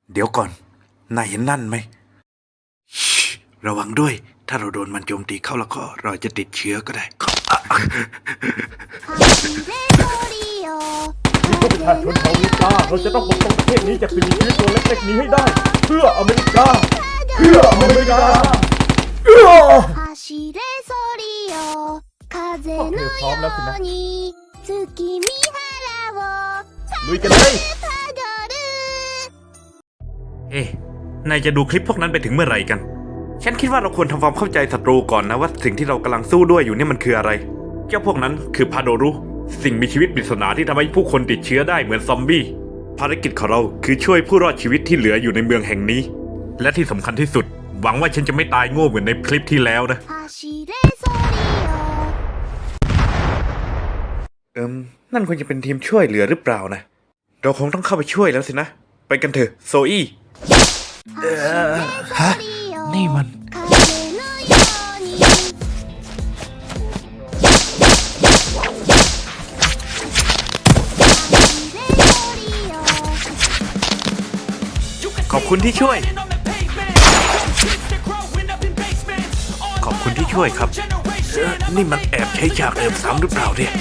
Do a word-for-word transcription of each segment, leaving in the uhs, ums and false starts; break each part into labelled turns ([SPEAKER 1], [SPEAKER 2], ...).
[SPEAKER 1] เดี๋ยวก่อนนายเห็นนั่นไหมระวังด้วยถ้าเราโดนมันโจมตีเข้าแล้วก็เราจะติดเชื้อก็ได้
[SPEAKER 2] นี่ก็ประชาชนชาวอเมริกาเราจะต้องปกป้องประเทศนี้จากสิ่งมีชีวิตตัวเล็กๆนี้ให้ได้เพื่ออเมริกาเพื่ออเมริกาเอื้อโอเคพร้อมแล้วสินะลุยกันเลย
[SPEAKER 1] เอ๊ะนายจะดูคลิปพวกนั้นไปถึงเมื่อไหร่กันฉันคิดว่าเราควรทำความเข้าใจศัตรูก่อนนะว่าสิ่งที่เรากำลังสู้ด้วยอยู่เนี่ยมันคืออะไรเจ้าพวกนั้นคือพาโดรุสิ่งมีชีวิตปริศนาที่ทำให้ผู้คนติดเชื้อได้เหมือนซอมบี้ภารกิจของเราคือช่วยผู้รอดชีวิตที่เหลืออยู่ในเมืองแห่งนี้และที่สำคัญที่สุดหวังว่าฉันจะไม่ตายโง่เหมือนในคลิปที่แล้วนะเอิมนั่นควรจะเป็นทีมช่วยเหลือหรือเปล่านะเราคงต้องเข้าไปช่วยแล้วสินะไปกันเถอะโซอี้เออฮะนี่มันขอบคุณที่ช่วยขอบคุณที่ช่วยครับเออนี่มันแอบใช้ฉากเอิมซ้ำหรือเปล่าเนี่ย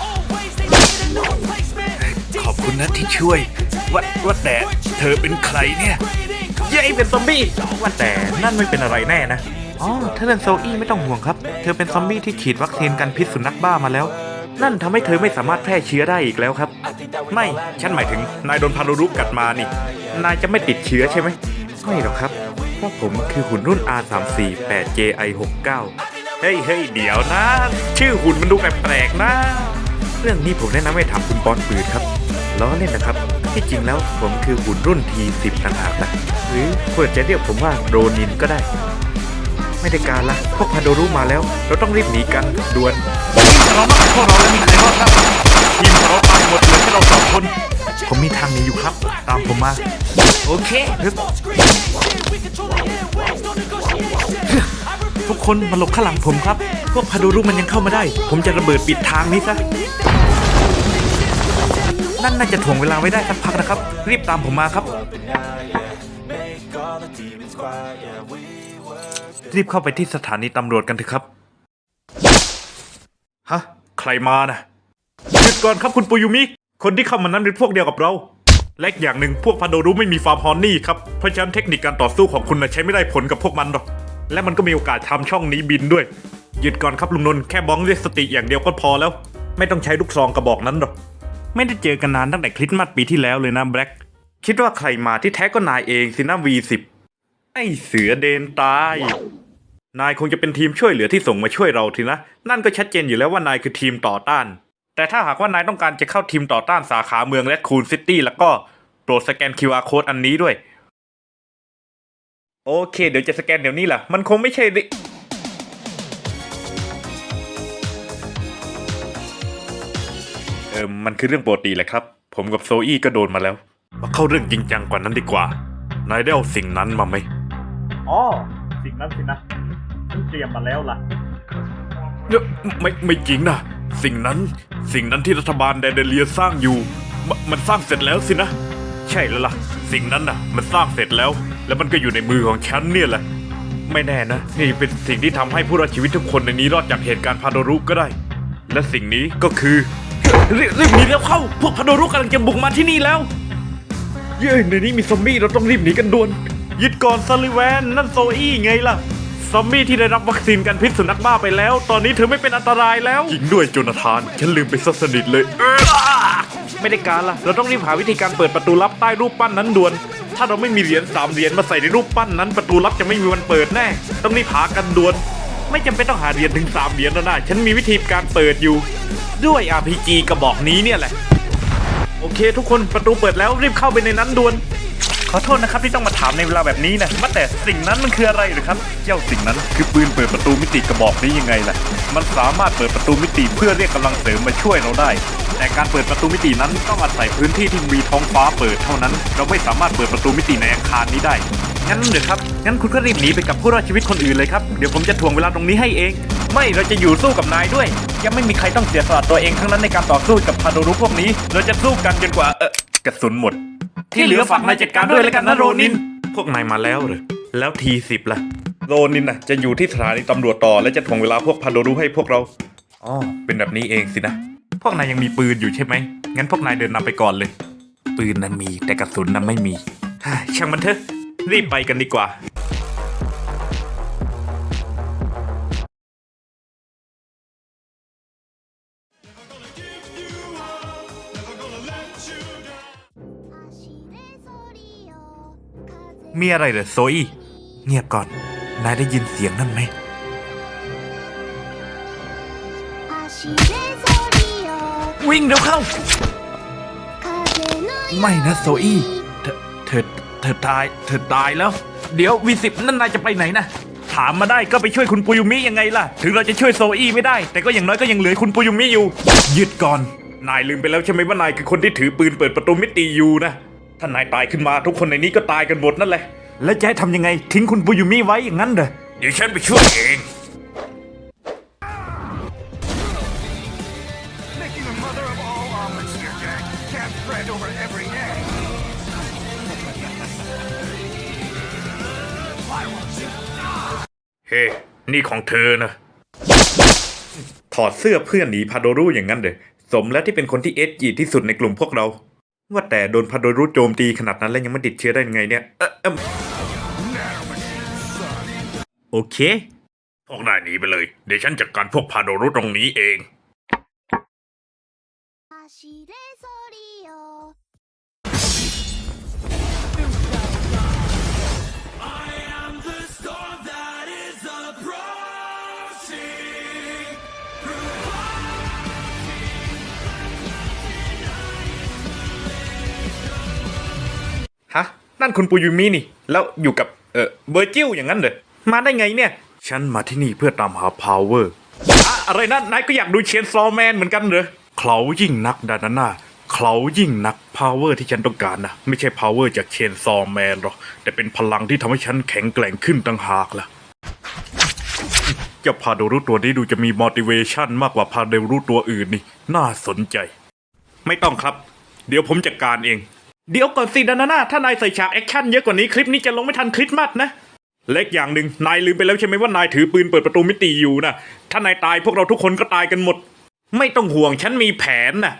[SPEAKER 1] ขอบคุณนะที่ช่วยว่าว่าแต่เธอเป็นใครเนี่ยเย้เป็นซอมบี้ว่าแต่นั่นไม่เป็นอะไรแน่นะอ๋อถ้าเป็นโซอี้ไม่ต้องห่วงครับเธอเป็นซอมบี้ที่ฉีดวัคซีนกันพิษสุนัขบ้ามาแล้วนั่นทำให้เธอไม่สามารถแพร่เชื้อได้อีกแล้วครับไม่ฉันหมายถึงนายโดนพารุรุกัดมานี่นายจะไม่ติดเชื้อใช่ไหมไม่หรอกครับเพราะผมคือหุ่นรุ่น อาร์ สาม สี่ แปด เจ ไอ หกเก้า เฮ้ยเฮ้ยเดี๋ยวนะชื่อหุ่นมันดูแปลกๆนะเรื่องนี้ผมแนะนำให้ถามคุณปอนปืนครับล้อเล่นนะครับที่จริงแล้วผมคือหุ่นรุ่น ที สิบ ต่างหากนะหรือควรจะเรียกผมว่าโรนินก็ได้ไม่ได้การละพวกพาโดรุมาแล้วเราต้องรีบหนีกันด่วนเราต้องพวกเราแล้วมีใครรอดครับทีมเราตายหมดเหลือแค่เราสองคนผมมีทางหนีอยู่ครับตามผมมาโอเคทุกคนมาหลบข้างหลังผมครับพวกพาโดรุมันยังเข้ามาได้ผมจะระเบิดปิดทางนี้ซะนั่นน่าจะถ่วงเวลาไว้ได้สักพักนะครับรีบตามผมมาครับรีบเข้าไปที่สถานีตำรวจกันเถอะครับฮะใครมานะหยุดก่อนครับคุณปุยุมิคนที่เข้ามานั้นเป็นพวกเดียวกับเราและอย่างหนึ่งพวกพาโดรุไม่มีฟาร์มฮอนนี่ครับเพราะฉะนั้นเทคนิคการต่อสู้ของคุณนะใช้ไม่ได้ผลกับพวกมันหรอกและมันก็มีโอกาสทำช่องนี้บินด้วยหยุดก่อนครับลุงนนท์แค่บ้องเรียกสติอย่างเดียวก็พอแล้วไม่ต้องใช้ลูกซองกระบอกนั้นหรอกไม่ได้เจอกันนานตั้งแต่คริสต์มาสปีที่แล้วเลยนะแบล็กคิดว่าใครมาที่แท้ก็นายเองสินะ วี สิบ ไอเสือเดนตายนายคงจะเป็นทีมช่วยเหลือที่ส่งมาช่วยเราทีนะนั่นก็ชัดเจนอยู่แล้วว่านายคือทีมต่อต้านแต่ถ้าหากว่านายต้องการจะเข้าทีมต่อต้านสาขาเมืองแรดคูนซิตี้แล้วก็โปรดสแกน คิว อาร์ Code อันนี้ด้วยโอเคเดี๋ยวจะสแกนเดี๋ยวนี้ล่ะมันคงไม่ใช่ดิเออมันคือเรื่องปกติแหละครับผมกับโซอี้ก็โดนมาแล้วมาเข้าเรื่องจริงจังกว่านั้นดีกว่านายได้เอาสิ่งนั้นมาไหม
[SPEAKER 2] อ๋อสิ่งนั้นสินะฉันเตรียมมาแล้วล่ะ
[SPEAKER 1] เนอะไม่ไม่จริงนะสิ่งนั้นสิ่งนั้นที่รัฐบาลแดนเดเลียสร้างอยู่มมันสร้างเสร็จแล้วสินะใช่แล้วล่ะสิ่งนั้นน่ะมันสร้างเสร็จแล้วแล้วมันก็อยู่ในมือของฉันเนี่ยแหละไม่แน่นะนี่เป็นสิ่งที่ทำให้ผู้รอดชีวิตทุกคนในนี้รอดจากเหตุการณ์พาโดรุก็ได้และสิ่งนี้ก็คือรีบรีบหนีแล้วเข้าพวกพาโดรุกำลังจะบุกมาที่นี่แล้วเย้ในนี้มีซอมบี้เราต้องรีบหนีกันด่วนยึดก่อนซัลลิแวนนั่นโซอี้ไงล่ะซอมบี้ที่ได้รับวัคซีนกันพิษสุนัขบ้าไปแล้วตอนนี้เธอไม่เป็นอันตรายแล้วจริงด้วยโจนาธานฉันลืมไปซะสนิทเลยไม่ได้การล่ะเราต้องรีบหาวิธีการเปิดประตูลับใต้รูปปั้นนั้นด่วนถ้าเราไม่มีเหรียญสามเหรียญมาใส่ในรูปปั้นนั้นประตูลับจะไม่มีวันเปิดแน่ต้องรีบหากันด่วนไม่จำเป็นต้องหาเหรียญถึงสามเหรียญแล้วนะฉันมีวิธีการเปิดอยู่ด้วย อาร์ พี จี กระบอกนี้เนี่ยแหละโอเคทุกคนประตูเปิดแล้วรีบเข้าไปในนั้นด่วนขอโทษนะครับที่ต้องมาถามในเวลาแบบนี้นะว่าแต่สิ่งนั้นมันคืออะไรหรือครับเจ้าสิ่งนั้นคือปืนเปิดประตูมิติกระบอกนี้ยังไงล่ะมันสามารถเปิดประตูมิติเพื่อเรียกกำลังเสริมมาช่วยเราได้แต่การเปิดประตูมิตินั้นต้องอาศัยพื้นที่ที่มีท้องฟ้าเปิดเท่านั้นเราไม่สามารถเปิดประตูมิติในอาคารนี้ได้งั้นเดี๋ยวครับงั้นคุณก็รีบหนีไปกับผู้รอดชีวิตคนอื่นเลยครับเดี๋ยวผมจะถ่วงเวลาตรงนี้ให้เองไม่เราจะอยู่สู้กับนายด้วยยังไม่มีใครต้องเสียสละตัวเองทั้งนั้นในการต่อสู้กับพาโดรุพวกนี้เราจะสู้กันจนกว่าเออกระสุนหมด ที่เหลือฝากนายจัดการด้วยแล้วกันนะโรนิน พวกนายมาแล้วเหรอแล้วทีสิบล่ะโรนินน่ะจะอยู่ที่สถานีตำรวจต่อและจะถ่วงเวลาพวกพาโดรุให้พวกเราอ๋อเป็นแบบนี้เองสินะพวกนายยังมีปืนอยู่ใช่ไหมงั้นพวกนายเดินนำไปก่อนเลยปืนนั้นมีแต่กระสุนนั้นไม่มีฮ่าช่างมันเถอะรีบไปกันดีกว่ามีอะไรเหรอโซอี้เงียบก่อนนายได้ยินเสียงนั่นไหมวิ่งเร็วเข้าไม่นะโซอี้เธอเธอเธอตายเธอตายแล้ว เดี๋ยววีสิบนั่นนายจะไปไหนนะถามมาได้ก็ไปช่วยคุณปุยุมิยังไงล่ะถึงเราจะช่วยโซอี้ไม่ได้แต่ก็อย่างน้อยก็ยังเหลือคุณปุยุมิอยู่หยุดก่อนนายลืมไปแล้วใช่ไหมว่านายคือคนที่ถือปืนเปิดประตูมิติอยู่นะถ้านายตายขึ้นมาทุกคนในนี้ก็ตายกันหมดนั่นแหละแล้วจะให้ทำยังไงทิ้งคุณปุยุมิไว้อย่างนั้นเหรอเดี๋ยวฉันไปช่วยเองเฮ้ hey, นี่ของเธอนะถอดเสื้อเพื่อนหนีพาโดรุอย่างนั้นเลยสมแล้วที่เป็นคนที่เอสจีที่สุดในกลุ่มพวกเราว่าแต่โดนพาโดรุโจมตีขนาดนั้นแล้วยังไม่ติดเชื้อได้ยังไงเนี่ยเออเออโอเคพวกนายหนีไปเลยเดี๋ยวฉันจัดการพวกพาโดรุตรงนี้เองฮะนั่นคุณปุยุมินี่แล้วอยู่กับเออเบอร์จิลอย่างนั้นเหรอมาได้ไงเนี่ยฉันมาที่นี่เพื่อตามหาพาวเวอร์อะอะไรนั่นนายก็อยากดูเชนซอว์แมนเหมือนกันเหรอเขายิ่งนักดานาน่าเขายิ่งนักพาวเวอร์ที่ฉันต้องการนะไม่ใช่พาวเวอร์จากเชนซอว์แมนหรอกแต่เป็นพลังที่ทำให้ฉันแข็งแกร่งขึ้นต่างหากล่ะเจ้าพาโดรุตัวนี้ดูจะมี motivation มากกว่าพาโดรุตัวอื่นนี่น่าสนใจไม่ต้องครับเดี๋ยวผมจัดการเองเดี๋ยวก่อนสิดานาน่าถ้านายใส่ฉากแอคชั่นเยอะกว่านี้คลิปนี้จะลงไม่ทันคริสต์มาสนะเล็กอย่างหนึ่งนายลืมไปแล้วใช่ไหมว่านายถือปืนเปิดประตูมิติอยู่นะถ้านายตายพวกเราทุกคนก็ตายกันหมดไม่ต้องห่วงฉันมีแผนนะ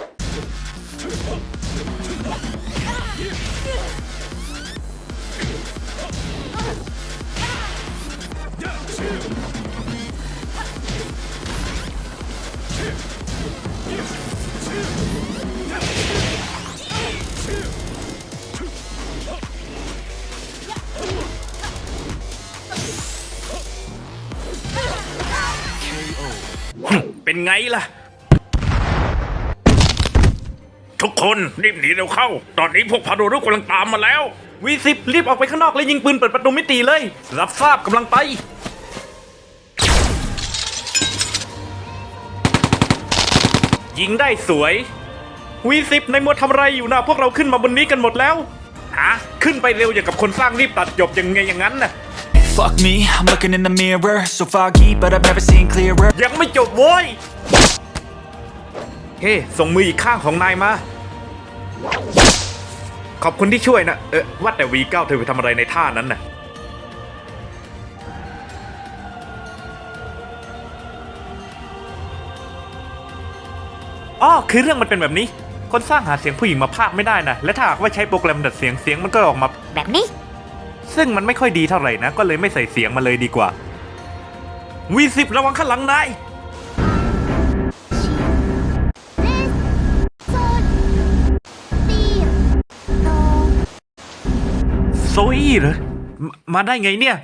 [SPEAKER 1] เป็นไงล่ะทุกคนรีบหนีเร็วเข้าตอนนี้พวกพาโดรุกำลังตามมาแล้ววีสิบรีบออกไปข้างนอกและยิงปืนเปิดประตูมิติเลยรับทราบกำลังไปยิงได้สวยวีสิบในมัวทำอะไรอยู่นะพวกเราขึ้นมาบนนี้กันหมดแล้วฮะขึ้นไปเร็วอย่างกับคนสร้างรีบตัดจบยังไงอย่างนั้นน่ะ
[SPEAKER 3] Fuck me, I'm looking in the mirror, so foggy, but I've never seen clearer.
[SPEAKER 1] ยังไม่จบโว้ยเฮ้ hey, ส่งมืออีกข้างของนายมาขอบคุณที่ช่วยนะเออว่าแต่ วี เก้า เธอไปทำอะไรในท่านั้นน่ะอ๋อคือเรื่องมันเป็นแบบนี้คนสร้างหาเสียงผู้หญิงมาพากย์ไม่ได้นะและถ้าหากว่าใช้โปรแกรมดัดเสียงเสียงมันก็ออกมา
[SPEAKER 4] แบบนี้
[SPEAKER 1] ซึ่งมันไม่ค่อยดีเท่าไหร่นะก็เลยไม่ใส่เสียงมาเลยดีกว่าวีสิบระวังข้างหลังนายโซอี้เหรอมมาได้ไงเนี่ย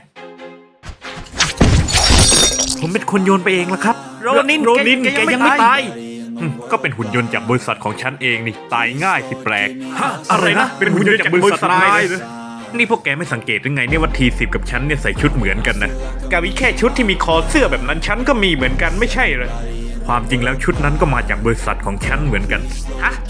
[SPEAKER 1] ผมเป็นคนโยนไปเองละครับโรนินโรนินแกยังไม่ตายก็เป็นหุ่นยนต์จากบริษัทของฉันเองนี่ตายง่ายสิแปลกฮะอะไรนะเป็นหุ่นยนต์จากบริษัทนายเลยนี่พวกแกไม่สังเกตหรือไงเนี่ยว่าทีสิบกับฉันเนี่ยใส่ชุดเหมือนกันนะกาวิแค่ชุดที่มีคอเสื้อแบบนั้นฉันก็มีเหมือนกันไม่ใช่เหรอความจริงแล้วชุดนั้นก็มาจากบริษัทของฉันเหมือนกันฮะ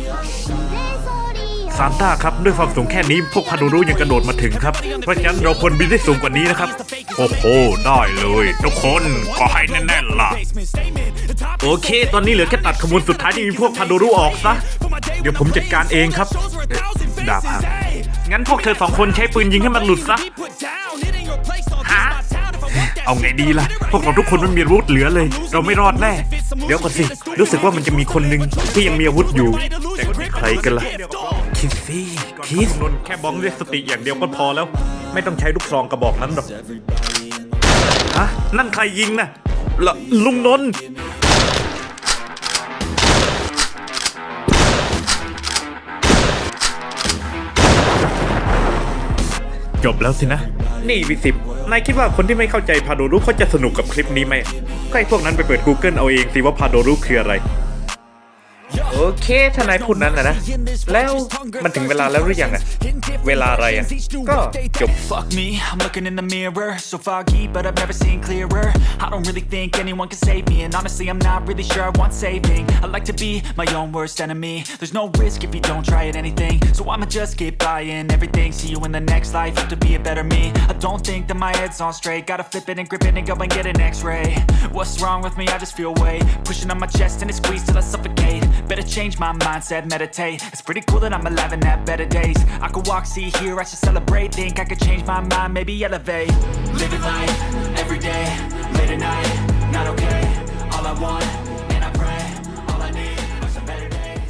[SPEAKER 1] ซานต้าครับด้วยความสูงแค่นี้พวกพาโดรุยังกระโดดมาถึงครับเพราะฉะนั้นเราควรบินได้สูงกว่านี้นะครับโอ้โหได้เลยทุกคนก็ให้แน่นๆล่ะโอเคตอนนี้เหลือแค่ตัดขบวนสุดท้ายที่มีพวกพาโดรุออกซะเดี๋ยวผมจัดการเองครับเอ๊ะดาบหักงั้นพวกเธอสองคนใช้ปืนยิงให้มันหลุดซะฮะเอาไงดีล่ะพวกเราทุกคนไม่มีอาวุธเหลือเลย เราไม่รอดแน่เดี๋ยวก่อนสิรู้สึกว่ามันจะมีคนหนึ่งที่ยังมีอาวุธอยู่แต่ใครกันล่ะคิดสิคิดนนแค่บ้องด้วยสติอย่างเดียวก็พอแล้ว ไม่ต้องใช้ลูกซองกระบอกนั้นหรอกฮะนั่นใครยิงน่ะละลุงนนท์จบแล้วสินะ นี่วิสิบนายคิดว่าคนที่ไม่เข้าใจพาโดรุเขาจะสนุกกับคลิปนี้ไหมก็ให้พวกนั้นไปเปิด Google เอาเองสิว่าพาโดรุคืออะไร โอเคถ้านายพูดนั้นนะนะ แล้วมันถึงเวลาแล้วหรือยังอะเวลาอะไรอะก็จบ
[SPEAKER 3] Fuck me, I'm looking in the mirror, so foggy, but I've never seen clearer. I don't really think anyone can save me, and honestly, I'm not really sure I want saving. I like to be my own worst enemy. There's no risk if you don't try at anything, so I'ma just keep buying everything. See you in the next life, have to be a better me. I don't think that my head's on straight. Gotta flip it and grip it and go and get an X-ray. What's wrong with me? I just feel weight pushing on my chest and it squeezes till I suffocate. Better change my mindset, meditate. It's pretty cool that I'm alive and have better days. I could walk, see, hear, I should celebrate. Think I could change my mind, maybe elevate. Living life, every day, late at night, not okay. All I want, and I pray, all I need are some better days.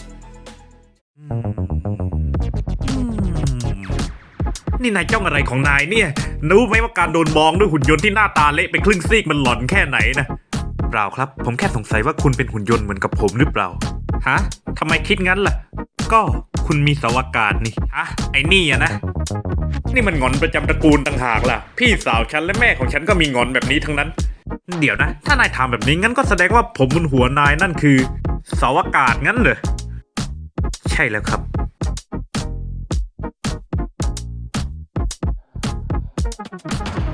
[SPEAKER 1] นี่นายจ้องอะไรของนายเนี่ยรู้ไหมว่าการโดนมองด้วยหุ่นยนต์ที่หน้าตาเละเป็นครึ่งซีกมันหลอนแค่ไหนนะเปล่าครับผมแค่สงสัยว่าคุณเป็นหุ่นยนต์เหมือนกับผมหรือเปล่าฮะทำไมคิดงั้นล่ะก็คุณมีเสาอากาศนี่ฮะไอ้นี่อะนะนี่มันหงอนประจำตระกูลต่างหากล่ะพี่สาวฉันและแม่ของฉันก็มีหงอนแบบนี้ทั้งนั้นเดี๋ยวนะถ้านายถามแบบนี้งั้นก็แสดงว่าผมบนหัวนายนั่นคือเสาอากาศงั้นเหรอใช่แล้วครับ